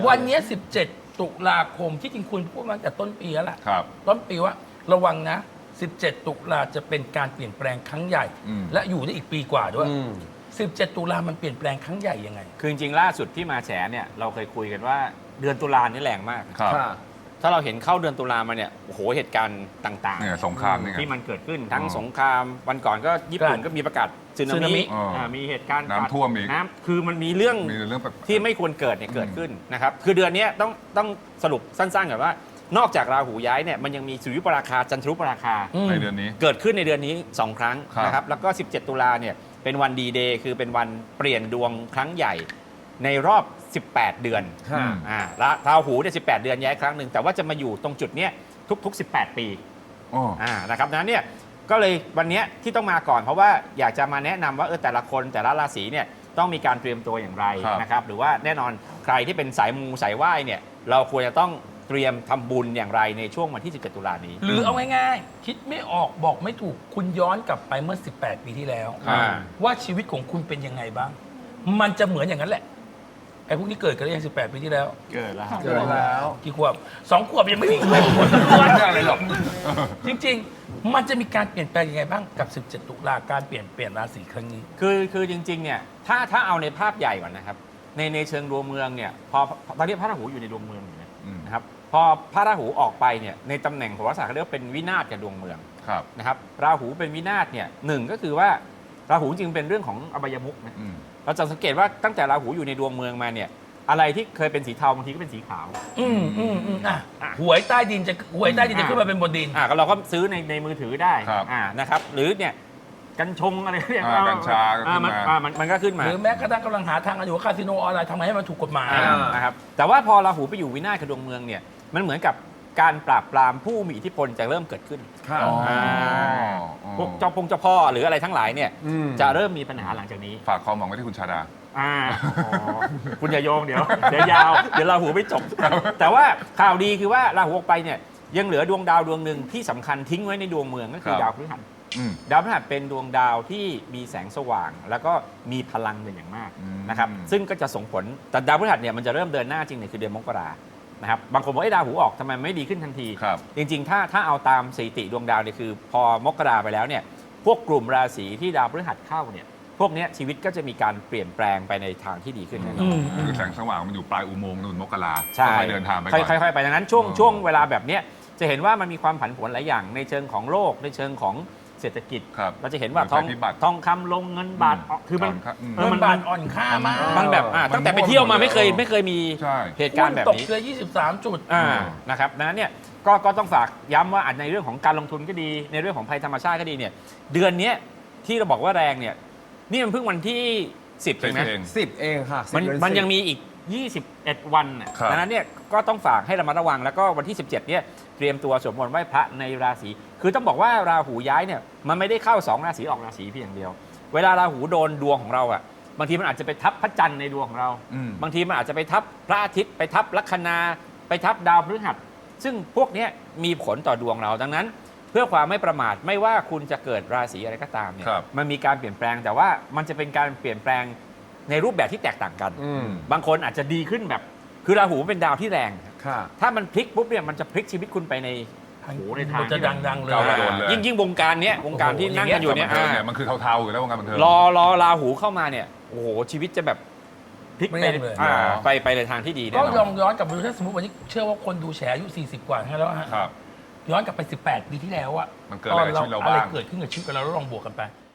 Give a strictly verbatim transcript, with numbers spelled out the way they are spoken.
วันนี้สิบเจ็ดตุลาคมที่จริงคุณพูดมาตั้งแต่ต้นปีแล้วล่ะครับต้นปีว่าระวังนะสิบเจ็ดตุลาจะเป็นการเปลี่ยนแปลงครั้งใหญ่ และอยู่ได้อีกปีกว่าด้วยสิบเจ็ดตุลามันเปลี่ยนแปลงครั้งใหญ่ยังไงคือจริงๆล่าสุดที่มาแฉเนี่ยเราเคยคุยกันว่าเดือนตุลานี่แรงมากครับถ้าเราเห็นเข้าเดือนตุลามาเนี่ยโอ้โหเหตุการณ์ต่างเนี่ยสงครามนี่ไงที่มันเกิดขึ้นทั้งอ๋อสงครามวันก่อนก็ญี่ปุ่นก็มีประกาศสึนาสึนามิมิอ๋ออ่ามีเหตุการณ์น้ำท่วมอีกน้ำคือมันมีเรื่องมีเรื่องแบบที่ไม่ควรเกิดเนี่ยเกิดขึ้นนะครับคือเดือนนี้ต้องต้องสรุปสั้นๆก่อนว่านอกจากราหูย้ายเนี่ยมันยังมีสุริยุปราคาจันทรุปราคาในเดือนนี้เกิดขึ้นในเดือนนี้สองครั้งครับนะครับแล้วก็สิบเจ็ดตุลาเนี่ยเป็นวันดีเดย์คือเป็นวันเปลี่ยนดวงครั้งใหญ่ในรอบสิบแปดเดือนอืมอ่าละราหูเนี่ยสิบแปดเดือนย้ายครั้งหนึ่งแต่ว่าจะมาอยู่ตรงจุดเนี้ยทุกๆสิบแปดปีอ๋ออ่านะครับนั้นเนี่ยก็เลยวันเนี้ยที่ต้องมาก่อนเพราะว่าอยากจะมาแนะนำว่าเออแต่ละคนแต่ละราศีเนี่ยต้องมีการเตรียมตัวอย่างไรครับนะครับหรือว่าแน่นอนใครที่เป็นสายมูสายไหว้เนี่ยเราควรจะต้องเตรียมทำบุญอย่างไรในช่วงวันที่สิบเจ็ดตุลานี้หรือเอาง่ายๆ คิดไม่ออกบอกไม่ถูกคุณย้อนกลับไปเมื่อสิบแปดปีที่แล้วอ่าว่าชีวิตของคุณเป็นยังไงบ้าง มันจะเหมือนอย่างนั้นแหละไอ้พวกนี้เกิดกันได้ยังสิบแปดปีที่แล้วเกิดแล้วเกิดแล้วกี่ขวบสองขวบยังไม่มีใครขวบไม่ได้อะไรหรอกจริงๆ มันจะมีการเปลี่ยนแปลงยังไงบ้างกับสิบเจ็ดตุลาการเปลี่ยนเปลี่ยนราศีครั้งนี้คือคือจริงๆเนี่ยถ้าถ้าเอาในภาพใหญ่ก่อนนะครับในในเชิงดวงเมืองเนี่ยพอตอนนี้พระราหูอยู่ในดวงเมืองอยู่นะอืมนะครับพอพระราหูออกไปเนี่ยในตำแหน่งโหราศาสตร์เขาเรียกว่าเป็นวินาศกับดวงเมืองครับนะครับราหูเป็นวินาศเนี่ยหนึ่งก็คือว่าราหูจริงเป็นเรื่องของอบายมุขนะอืมเราจะสังเกตว่าตั้งแต่ราหูอยู่ในดวงเมืองมาเนี่ยอะไรที่เคยเป็นสีเทาบางทีก็เป็นสีขาวอืมอืมอืมอ่ะหวยใต้ดินจะหวยใต้ดินจะขึ้นมาเป็นบนดินอ่าก็เราก็ซื้อในในมือถือได้ครับอ่านะครับหรือเนี่ยกัญชงอะไรเนี่ยอ่ากัญชาก็ขึ้นมาอ่อ่มันมันก็ขึ้นมาหรือแม้กระทั่งกำลังหาทางกันอยู่ว่าคาสิโนออนไลน์ทำไงให้มันถูกกฎหมายอ่านะครับแต่ว่าพอราหูไปอยู่วินาศกับดวงเมืองเนี่ยมันเหมือนกับการปราบปรามผู้มีอิทธิพลจะเริ่มเกิดขึ้นครับอ๋ออ๋อพวกเจ้าพงเจ้าพ่อหรืออะไรทั้งหลายเนี่ยอืมจะเริ่มมีปัญหาหลังจากนี้ฝากความหวังไว้ที่คุณชาดาอ่าอ๋อคุณอย่าโยงเดี๋ยวเดี๋ยวยาวเดี๋ยวราหูไม่จบ แต่ว่าข่าวดีคือว่าราหูออกไปเนี่ยยังเหลือดวงดาวดวงหนึ่งที่สำคัญทิ้งไว้ในดวงเมืองก็คือครับดาวพฤหัสอืมดาวพฤหัสเป็นดวงดาวที่มีแสงสว่าง แล้วก็มีพลังเป็นอย่างมากอืมนะครับซึ่งก็จะส่งผลแต่ดาวพฤหัสเนี่ยมันจะเริ่มเดินหน้าจริงเนี่ยคือเดือนมกรานะครับบางคนบอกไอ้ดาวหูออกทำไมไม่ดีขึ้นทันทีครับจริงๆ ถ้าถ้าเอาตามสถิติดวงดาวเนี่ยคือ พอมกราไปแล้วเนี่ยพวกกลุ่มราศีที่ดาวพฤหัสเข้าเนี่ยพวกเนี้ยชีวิตก็จะมีการเปลี่ยนแปลงไปในทางที่ดีขึ้นแน่นอนคือแสงสว่างมันอยู่ปลายอุโมงค์นู่นมกราใช่ค่อยๆเดินทางไปก่อนค่อยๆไปดังนั้นช่วงอ๋อช่วงเวลาแบบเนี้ยจะเห็นว่ามันมีความผันผวนหลายอย่างในเชิงของโลกในเชิงของเศรษฐกิจครับเราจะเห็นว่าเหทมืออง นภัยพิบัติทองคำลงเงินบาทออกคือมันก่อนครับอืมเออเงิมันนบาทอ่อนค่ามากมันแบบอ่ะมันตั้งแต่ไปเที่ยวมาไม่เคยหมดไม่เคยมีใช่เหตุการณ์แบบตกนี้เลยยี่สิบสามจุดอ่าอืมนะครับดังนั้นเนี่ยก็ก็ต้องฝากย้ำว่าอาจในเรื่องของการลงทุนก็ดีในเรื่องของภัยธรรมชาติก็ดีเนี่ยเดือนเนี้ยที่เราบอกว่าแรงเนี่ยนี่มันเพิ่งวันที่สิบเสร็เอจงนะเองสิบเองค่ะมันสิบเดือมันสิบยังมีอีก ยี่สิบเอ็ด วันน่ะครับดังนั้นเนี่ยก็ต้องฝากให้ระมัดระวังแล้วก็วันที่ สิบเจ็ดเนี่ยเตรียมตัวสวดมนต์ไหว้พระในราศีคือต้องบอกว่าราหูย้ายเนี่ยมันไม่ได้เข้าสองราศีออกราศีเพียงอย่างเดียว เวลาราหูโดนดวงของเราอ่ะบางทีมันอาจจะไปทับพระจันทร์ในดวงของเราอืมบางทีมันอาจจะไปทับพระอาทิตย์ไปทับลัคนาไปทับดาวพฤหัส ซึ่งพวกเนี้ยมีผลต่อดวงเราดังนั้น เพื่อความไม่ประมาทไม่ว่าคุณจะเกิดราศีอะไรก็ตามเนี่ยครับมันมีการเปลี่ยนแปลงแต่ว่ามันจะเป็นการเปลี่ยนแปลงในรูปแบบที่แตกต่างกันอืมบางคนอาจจะดีขึ้นแบบคือราหูเป็นดาวที่แรงค่ะถ้ามันพลิกปุ๊บเนี่ยมันจะพลิกชีวิตคุณไปในโอ้โหในทางจะที่แบบดังๆเลยก้าวกระโดดเลยยิ่งยิ่งวงการเนี้ยวงการที่นั่งกันอยู่เนี่ยบันเทิงอ่าเนี่ยมันคือเทาๆอยู่แล้ววงการบันเทิงรอรอราหูเข้ามาเนี่ยโอ้โหชีวิตจะแบบพลิกไม่ไปแน่เลยอ่าเหรอไปไปในทางที่ดีแน่ก็นลออน งย้อนกลับไปดูถ้าสมมติวันนี้เชื่อว่าคนดูแฉอายุสี่สิบกว่าทั้งนั้นแล้วฮะครับย้อนกลับไปสิบแปดปีที่แล้วอะมันเกิดอะไรกับชีวิตเราบ้างอะไรเกิดขึ้นกับชีวิตเราแล้วลองบวกกันไป